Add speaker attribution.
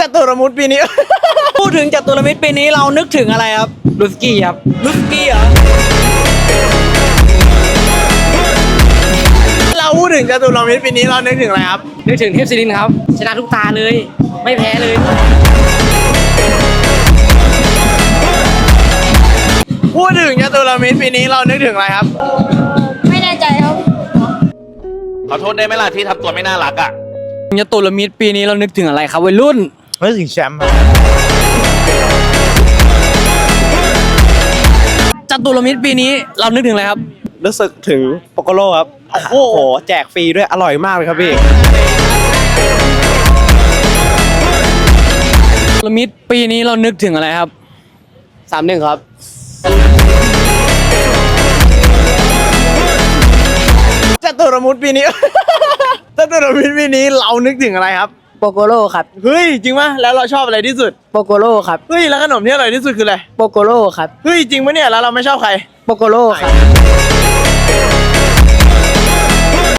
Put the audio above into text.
Speaker 1: จตุรมุตปีนี้ พูดถึงจตุรมิตรปีนี้เรานึกถึงอะไรครับลูสกี้ครับลูสกี้เหรอเราพูดถึงจตุรมิตรปีนี้เรานึกถึงอะไรครับ
Speaker 2: นึกถึงเทพศิรินทร์ครับชนะทุกตาเลยไม่แพ้เลย
Speaker 1: พูดถึงจตุรมิตรปีนี้เรานึกถึงอะไรครับ
Speaker 3: ไม่แน่ใจครับ
Speaker 4: ขอโทษได้ไหมล่ะที่ทำตัวไม่น่ารักอ่ะ
Speaker 1: จตุรมิตรปีนี้เรานึกถึงอะไรครับวัยรุ่น
Speaker 5: นึกถึงแชมป์
Speaker 1: จตุรมิตรปีนี้เรานึกถึงอะไรครับ
Speaker 5: รู้สึกถึงโปโกโลครับโอ้โหแจกฟรีด้วยอร่อยมากเลยครับพี่
Speaker 1: จตุรมิตรปีนี้เรานึกถึงอะไรครับ
Speaker 2: 3-1ครับ
Speaker 1: จตุรมุตรปีนี้ จตุรมิตรปีนี้เรานึกถึงอะไรครับ
Speaker 2: โปโกโลครับ
Speaker 1: เฮ้ยจริงปะแล้วเราชอบอะไรที่สุด
Speaker 2: โปโกโลครับ
Speaker 1: เฮ้ยแล้วขนมที่อร่อยที่สุดคืออะไร
Speaker 2: โปโกโลครับ
Speaker 1: เฮ้ยจริงปะเนี่ยแล้วเราไม่ชอบใคร
Speaker 2: โปโกโลครับ